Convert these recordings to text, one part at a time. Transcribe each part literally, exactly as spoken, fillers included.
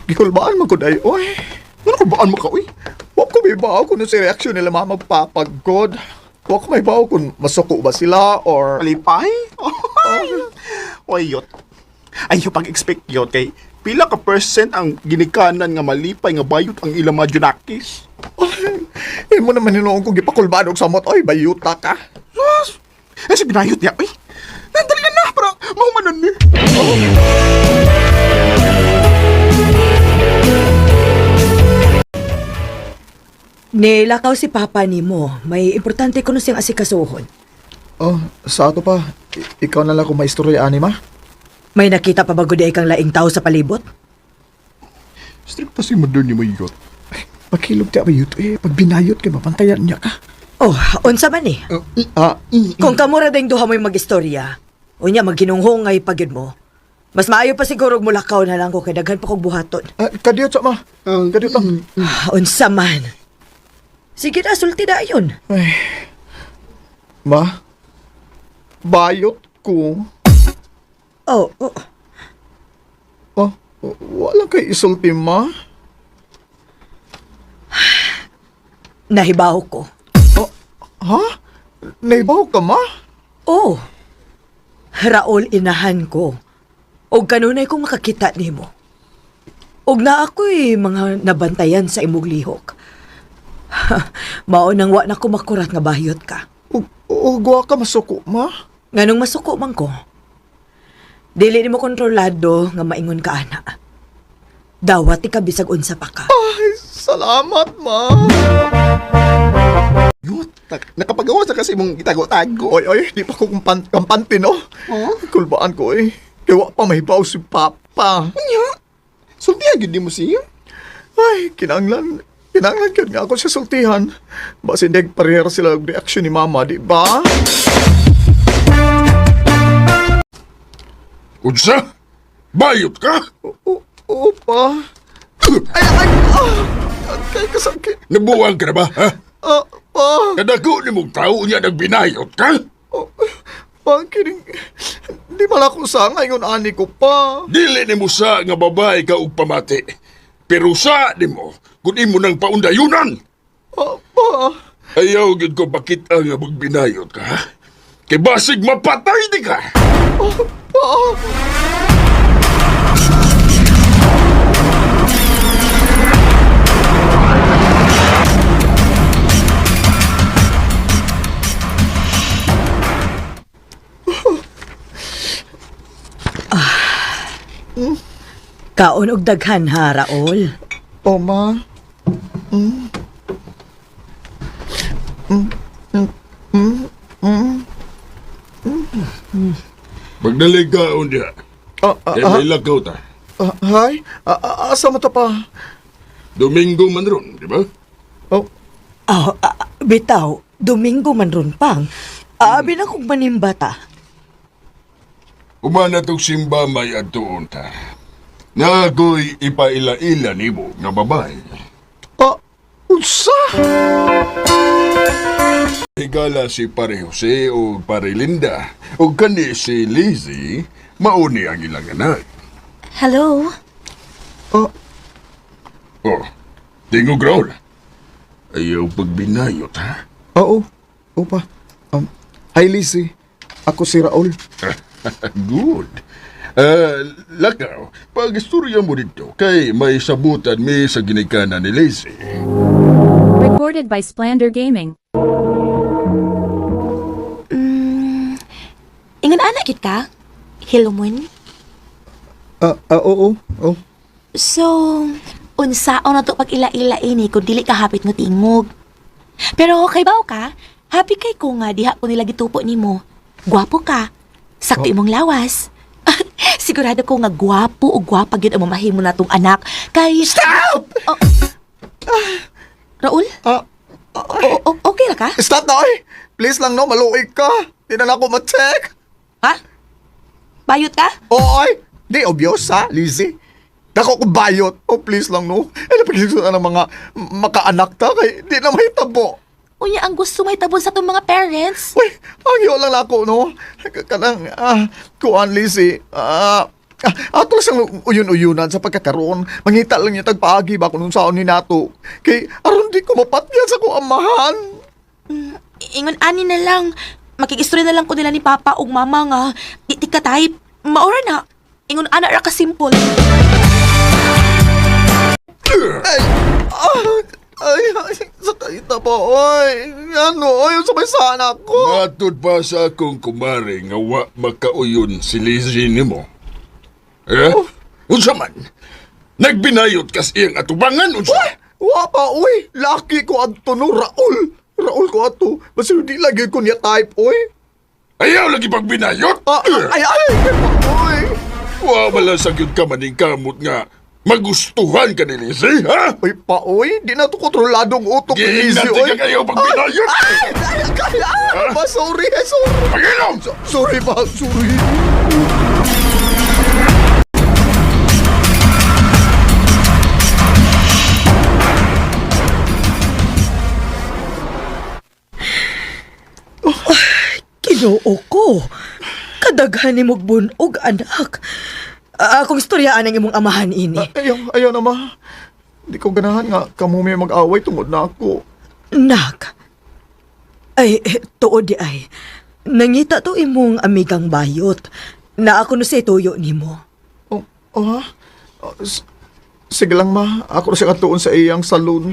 Gikulbaan mo ko day, oy. Ano kulbaan mo ka, oy? Huwag ko may bawa kung ano si reaksyon nila mga magpapagod. Huwag ko may bawa kung masuko ba sila or... Malipay? Oy, oy yot. Ay, yung pag-expect yot kay pila ka percent ang ginikanan nga malipay nga bayot ang ilang mga junakis. Eh mo naman hinuong kong gipakulbaan og samot, oy, bayuta ka. Yes. Eh, si binayot niya, oy. Nandali na na, para mahumanan ni. Nilakaw si Papa ni mo. May importante ko na siyang asikasuhon. Oh, sa ato pa, I- ikaw na lang kung may istorya, anima? May nakita pa ba gud kang laing tao sa palibot? Stricta si mother ni mo yot. Pagkilog ti abayot, eh, pag binayot kay mapantayan niya ka. Oh, unsa man eh. Uh, ah, i- i- Kung kamura ding duha mo'y mag-istorya, unya magginunghongay pagid mo. Mas maayo pa siguro og mulakaw na lang ko kay daghan pa kog buhaton. ah, kadiyot sa ma. Uh, kadiyot lang. Ah, unsa man. Sige na, sulti na yun. Ay. Ma, bayot ko. Oh, oh. Oh, wala kay isulti, ma. Nahibaw ko. Oh, ha? Naibaw ka, ma? Oh. Raol, inahan ko. Og kanunay kong makakita nimo. Og na ako'y mga nabantayan sa imong lihok. Mao nang wa na ko makurat nga bahiyot ka. O, o guwa ka masuko, ma? Nganong masuko man ko. Dili nimo kontrolado nga maingon ka ana. Dawat ka bisag unsa pa ka. Ay, salamat, ma. Yot, nak- nakapagawa sa kasi mong itago-tago. Oy, oy, di pa ko kumpan kampante, no? Oh? Kulbaan ko, eh. Kaya wa pa mahibaw si Papa. Anya? Sultihan yun di mo siya? Ay, kinanglan. Kinanglan ka nga ako sa sultihan. Basi hindi parehera sila ang reaksyon ni Mama, di ba? Unsa? Bayot ka? O, oo pa. Ay, ay, ah! Kay kasakit. Nabuwang ka na ba, ha? Ah, pa. Kadako ni mong tao niya nagbinayot ka? Oh, pa, kining... Di mala ko sa ngayon, ani ko pa. Dili ni mo sa nga babae ka ug pamati. Pero sa ni mo, kung imo nang paundayunan. Ah, pa. Ayaw gid ko pakita nga magbinayot ka, ha? Kay basig mapatay di ka. Pa. Kaon og daghan ha, Raol. O, ma. Mm. Mm. Mm. Mm. Mm. Magdalig ka unya. Ah, ah, Kay ah, may lakaw ta. ah, hay? Ah, ah, asa mo ta pa? Domingo man ron, di ba? Oh, Ah, ah, bitaw, Domingo man ron pang. Aabi na kong manimbata. Umana tong simba may adtuon ta. Nga ako'y ipaila-ila ni mo nga babae. ah, unsa? Higala si Pare Jose o Pare Linda o kani si Lizzie, mauni ang ilang anak. Hello? Ah, Oh, tingog Raul. Ayaw pagbinayot, ha? oo. Oo pa. Um, hi, Lizzie. Ako si Raul. Good. Ah, lakaw, pag-istorya mo dito, kay may sabutan mi sa ginikanan ni Lizzie. Recorded by Splander Gaming. Mm, ingon anak gid ka? Hilomon? Ah, ah, oo. Oo. So, unsaon na to pag ila-ila ini kung dili ka hapit mo tingog. Pero kay baw ka, happy kay ko nga diha ko nila gitupo nimo. Gwapo ka. Sakto imong lawas. Sigurado ko nga gwapo o gwapa gyud ang mamahimo natong anak. Kay Stop! Oh. Raul? Ah, O- o- okay ra ka? stop na, oy. Please lang, no. Maluig ka. Di na ako ma-check. Ha? Bayot ka? Oo, oy. Di, obvious, ha, Lizzie? Dako ko bayot. Oh, please lang, no. Eh, napagkikita ng mga makaanak ta. Kay di na may tabo. Unya ang gusto may tabon sa tong mga parents. Uy, ang iyo lang ako, no? Kanang, ah, kuan, Lizzie. Ah, Ah, ato sang uyon-uyonan sa pagkakaroon. Mangita lang niya tagpaagi ba kung saan ni nato. Kay aron di ko mapatyan sa ko amahan. Ingon ani na lang, makikistorya na lang ko nila ni Papa ug Mama nga, di di ka type. Maura na, ingon ana ra ka simple. Ay, ah, ay, ay, sakay na ba, oy. Ano, ay, sabay sana ako. Matod pa sa akong kumare nga wa makauyon si Lizzie nimo. Eh? Unsa man? Nagbinayot kas iyang atubangan unsa? Wa pa, oy. Laki ko adto no, Raul. Raul ko ato. Basta di lagi ko niya type, oy. Ayaw lagi pagbinayot? Ah, ay, ay, ay, oy. Wa bala sa gyud ka maning kamot nga magustuhan ka ni Lizzie, ha? Oy pa, oy. Di na to kontroladong utok ni Lizzie, Giingat oy. ka kayo pagbinayot. Ay, ay, ay, ay, ba, sorry, eh, sorry. Pagilom! Sorry ba, sorry. Ginoo ko. Kadaghan ni mong bunog, anak. Ah, akong istoryaan ang imong amahan ini. Ah, ayaw, ayaw na, ma. Di ko ganahan nga kamo may mag-away tungod na ako. Nak. Ay, eh, tuod di ay. Nangita to imong amigang bayot na ako no sa tuyo nimo. Oh, oh ha? Ah, s- sige lang, ma. Ako na siya katuon sa iyang saloon.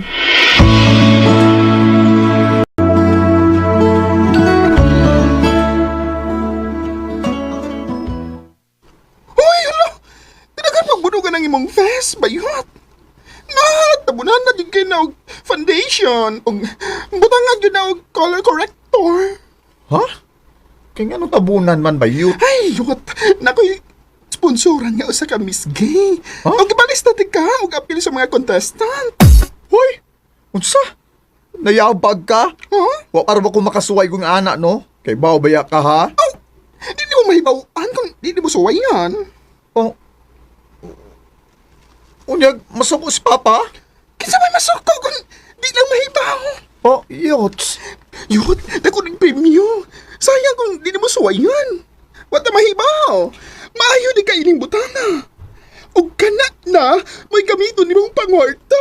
Uy, hala! Tinagan magbunugan ng imong vest, bayot. Nahat, tabunan na din kayo na og foundation. Og butangan yun na og color corrector. Ha? Kaya nga no tabunan man ba yun? Ay, yot. Nakoy sponsoran nga usa ka Miss Gay. Ha? Og ibalis na din ka og appeal sa mga contestant. Hoy! Unsa? Nayabag ka? Huh? Wa para ba ko makasuway kong anak, no? Kay bao baya ka, ha? Oh, di mo mahibawaan kung di mo suwayan. Oh. Unyag, masuko si Papa? Kinsa may masuko kung di lang mahibaw. Oh, yots. Yot, dako ng premyo. Sayang kung di mo suwayan. Wata mahibaw. Maayo di ka ining butana. Og kana na, may gamiton nimong pangwarta.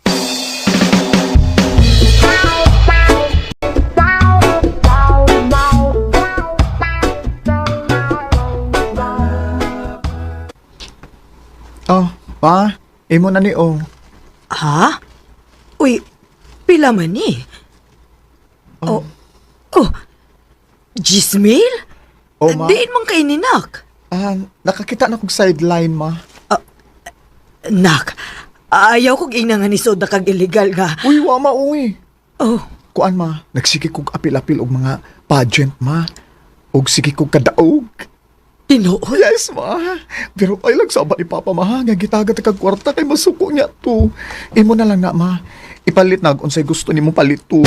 Oh, pa, imo na ni oh. Ha? Uy, pila man ni? Oh. Oh. Gismil? Oh, ma. Diin man kay ni Nak. Ah, nakakita na kong sideline, ma. Nak, ayaw kong inangan ni Soda kag illegal nga. Uy, wa ma, uy. Oh, Kuan, ma, nagsige kong apil-apil og mga pageant, ma. Og sige kong kadaog. tinuod. Yes, ma. Pero ay lang sabat ni Papa, ma. Nga gitagat kag kwarta kay masuko niya to. Imo na lang na, ma. Ipalit na kung unsay gusto nimo palit to.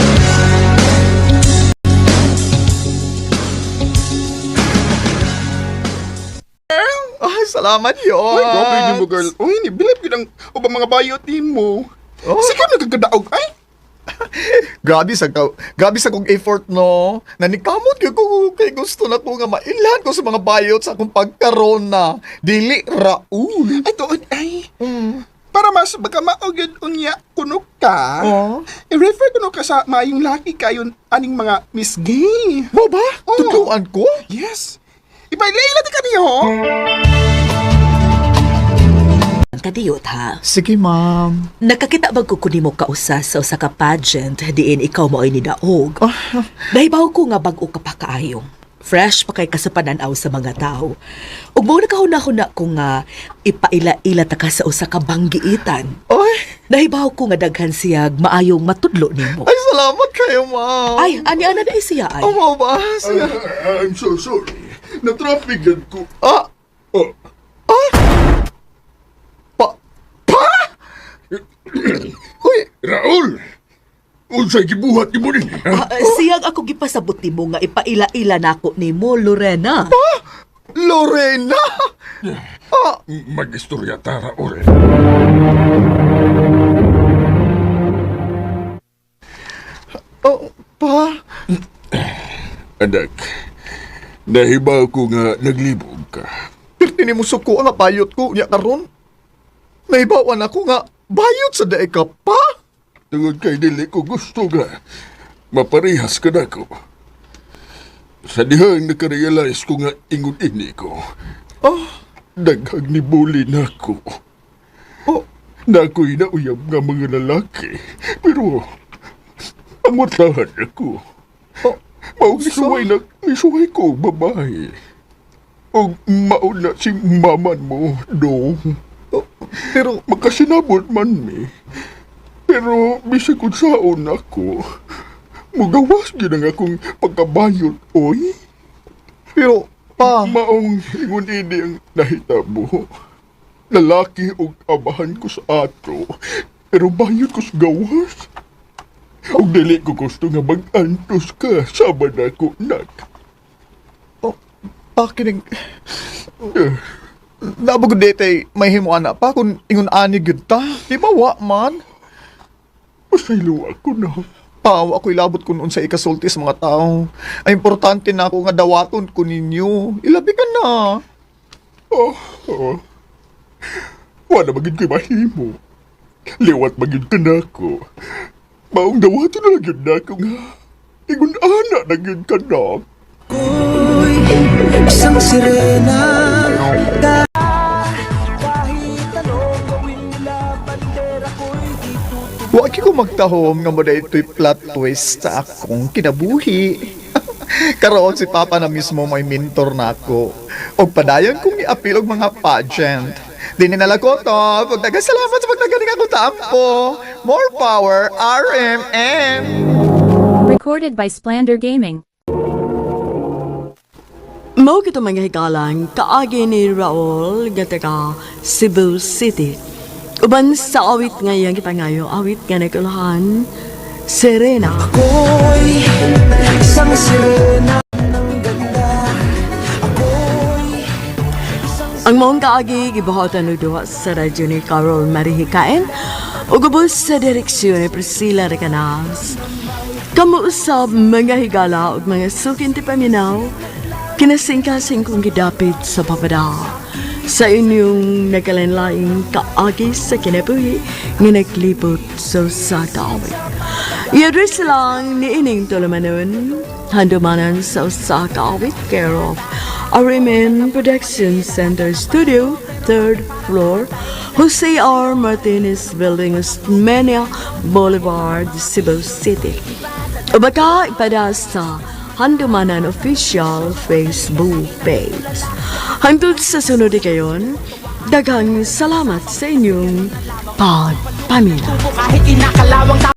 Ay, salamat yun. Ay, grabe ni mo, girl. Uy, nibilip ko ng ubang mga bayot ni mo. Oh. Sige, nagkagadaog. Ay, Grabe sa ka, grabe sa kong effort, no. Nanikamot ko ko kay gusto na ko nga mailan ko sa mga bayot sa akong pagkaroon na dili Raul. ay, tuon, ay. Mm. Para mas baka maugid unya kuno ka. Oh. I-refer kuno ka sa mayong laki kayon aning mga Miss Gay. Mo ba? Oh. Tutuan ko? Yes. Ipailay natin kaniyo, ho? Kadiyot ha. Sige, ma'am. Nakakita bag ko kunin mo kausa sa usa ka pageant diin ikaw mo ay nidaog. Ah, Nahibaw ko nga bag-o ka pa kaayong. Fresh pa kay kasapananaw sa mga tao. Ug mo nakahuna-huna ko nga ipaila-ila ta ka sa usa ka banggiitan. ay, Nahibaw ko nga daghan siyag maayong matudlo nimo. ay, salamat kayo, ma'am. Ay, ani ana na siya ay. Oh, mo ba? Sige. Ah, I'm so sorry. Na-traffic ko. Ah, Oh, pa, pa? Uy, Raul! Unsay gibuhat ni mo din? Ah, siyag ako gipasabot nimo nga ipaila-ila nako nimo Lorena. Lorena! Ah, Mag-istorya ta, Raul. oh, pa? Anak, nahibaw ko nga naglibog ka. Pero kini mo suko nga bayot ko nya karon. Naibawan ako nga bayot sa daig ka pa. Tungod kay dili ko gusto nga maparihas ka na ko. Sa dihang nakarealize ko nga ingon ini ko, Ah, daghang ni bully na ko. oh, Na ako'y nauyab nga mga lalaki. Pero, ang matahan ako. oh, Maugisuway na, misuway ko ang babae. O mauna si maman mo, dong. oh, pero, Makasinabot man mi. Pero, bisag kung saon ako, mugawas din ang akong pagkabayot, oy. pero, pa, Maong ingon ini ang nahitabo. Lalaki og abahan ko sa ato, pero bayot ko sa gawas. Og dili ko gusto nga mag-antos ka, sabad ako, nak. oh, pa, kining, Eh, nabog dete, may himuan na pa kung ingon ani gyud ta. Di ba wa man? Pasaylo ako na. Paw, ako'y labot kun unsa ikasulti sa mga tao. Ay importante na ako nga dawaton ko ninyo. Ilabi ka na. Oh, oh. Wala maging ko'y mahimo. Liwat maging ka na ako. Maong dawato na lang yun na ako nga. Ingon ana na yun ka na. Isang sirena. Wa ko magtahom nga mo ito'y plot twist sa akong kinabuhi. Karoon si Papa na mismo may mentor na ako. O padayon kong i-appeal og mga pageant. Di ninala ko to. Pagdagasalamat sa pagdagaling ako tampo. More power, R M M. Recorded by Splander Gaming. Mao kito mga hikalang kaagi ni Raul nga taga Cebu City. Uban sa awit ngayon kita ngayon, awit nga nakulahan, Serena. Ako'y isang sirena ng ganda. Ako'y Ang maong kaagi, gibuhatan ng duwa sa radyo ni Carol Marihikain o gubos sa direksyon ni Priscilla Recanas. Kamuusab mga higala o mga sukin ti paminaw, kinasingkasing kong gidapit sa papada. Sa inyong nagalanlaing kaagi sa kinabuhi nga naglibot sa sa kaawit. I-address lang ni Ining Tolamanon, handumanan sa usa kaawit care of Arimen Production Center Studio, third floor, Jose R. Martinez Building, Osmeña Boulevard, Cebu City. O baka ipada sa Handumanan Official Facebook page. Hangtod sa sunod kayon, daghang salamat sa inyong pagpamilya. kahit inakalawang